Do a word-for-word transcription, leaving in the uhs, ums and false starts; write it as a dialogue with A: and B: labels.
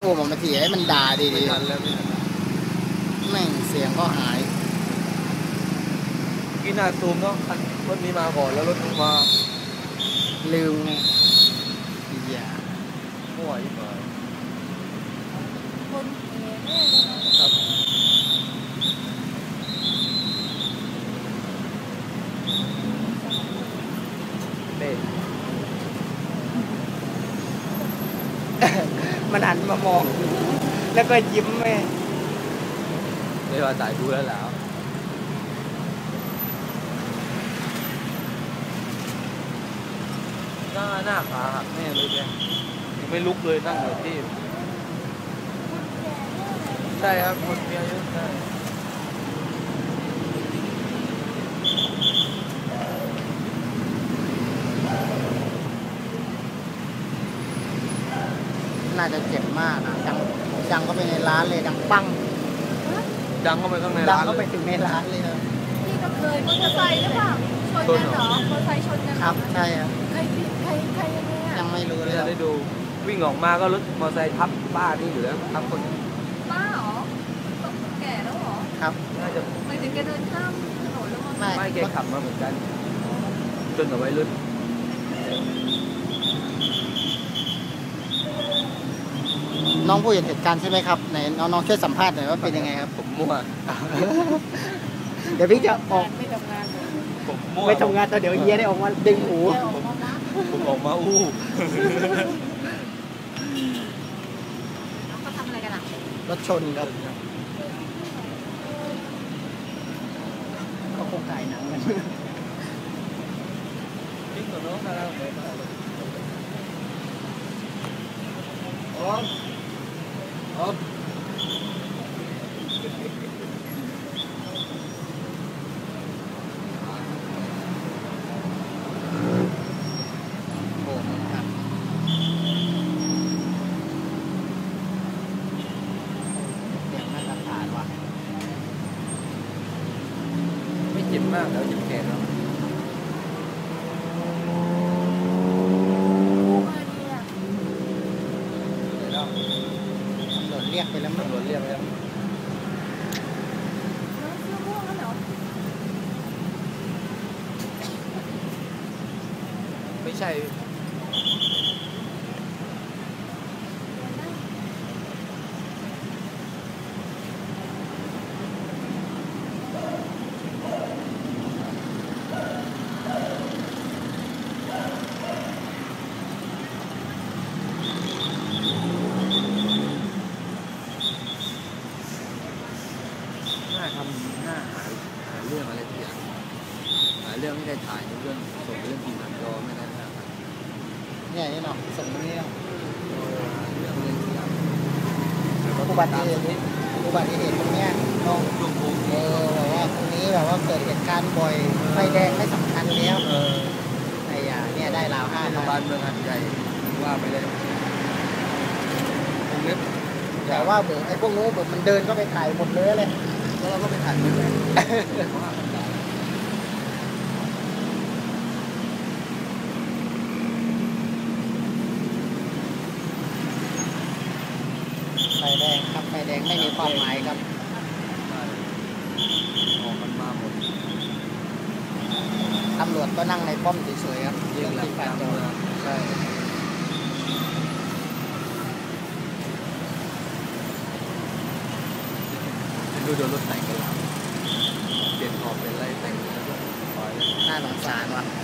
A: โอ้ผมมาเสียให้มันด่าดีดีแม่งเสียงก็หาย
B: กินหน้าซูมเนาะรถนี้มาก่อนแล้วรถนู้นมา
A: ลืมไงอย่า
B: มั่วยิ่งกว่า
C: คนเอ๋แน่เลย
B: ครับเด็ก
A: มันหันมามองแล้วก็ยิ้มแม่
B: ไม่ว่าจ่ายดูแล้วแล้วหน้าหน้าขาหักแน่เลยแกยังไม่ลุกเลยนั่งอยู่ที่ใช่ครับคนมีอายุใช่
A: น่าจะเจ็บมากนะดังดังก็ไปในร้านเลยดังปัง
B: ดังเข้าไปข้างใน
A: ดัง
B: ร้าน
A: เข้าไปถึงในร้านเลยครับ
C: พี่ก็เคยมอเตอร์ไซค์หรือเปล่าชนกันเหรอมอเตอร์ไซค์ชนกัน
A: ครับใช่ครับ
C: ใครผิดใครใครยังไงอ่ะ
A: ยังไม่รู้เลย
B: ได้ดูวิ่งออกมาก็รถมอเตอร์ไซค์ทับป้านี่อยู่แล้วทับคน
C: ป้าเหรอต้องแก่แล้วเหรอ
A: ครับ
B: น่าจะ
C: ไม่ถึงแกเดินข้ามถนนแล้วมั้ง
B: ไม่แกขับมาเหมือนกันจนกับวัยรุ่น
A: น้องผู้เห็นเหตุการณ์ใช่ไหมครับไหนน้องๆช่วยสัมภาษณ์หน่อยว่าเป็นยังไงครับ
B: ผมมั่ว
A: เดี๋ยวพี่จะออก
C: ไม่ทำงาน
B: ผมมั่ว
A: ไม่ทำงานตอนเดี๋ยวเฮียได้ออกมาดึงหู
B: ผมออกมาอู้
C: เขาทำอะไรกันอ่ะ
A: รถชนครับเขาคงถ่ายหนังกัน
B: จริงเหรอน้องอะไรอ๋ออ๋อไม่เจ็บมากแล้วเจ็บแขนเนาะ
A: เรียกไปแล้วมั้ง
B: ตำรวจเรียกแล้วไม่ใช่ทำหน้าหาหาเรื่องอะไรทุกอย่างหาเรื่องไม่ได้ถ่ายเรื่องส่งเรื่องทีมงานก็ไม่ได้นะ
A: เนี่ยนี่เนาะส่งตรงนี้เนาะ
B: เรื่องอะไรทุกอย่าง
A: อุบัติเหตุอุบัติเหตุตรงเนี้ยน้องเออแบบว่าตรงนี้แบบว่าเกิดเหตุการณ์บ่อยไฟแดงไม่สำคัญแล้ว
B: เออ
A: ไอ้ยาเนี่ยได้ราวห้า
B: โรงพยาบาลเมืองหัดใหญ่ว่าไปเลยตรงนี้
A: แต่ว่าเบิร์ไอ้พวกนู้นเบิร์มันเดินก็ไปถ่ายหมดเลยเลย
B: แล้วเราก็ไปถ่ายเลย
A: ไฟแดงครับไฟแดงไม่มีความหมายครับ
B: ออกกันมาหมด
A: ตำรวจก็นั่งในป้อมเฉยๆครับ
B: เรื่องที่การเมืองใช่ดูโดนรถแต่งกันแล้วเปลี่ยนขอบเป็นไรแต่งแล้วก็
A: น่าสงสารว่ะ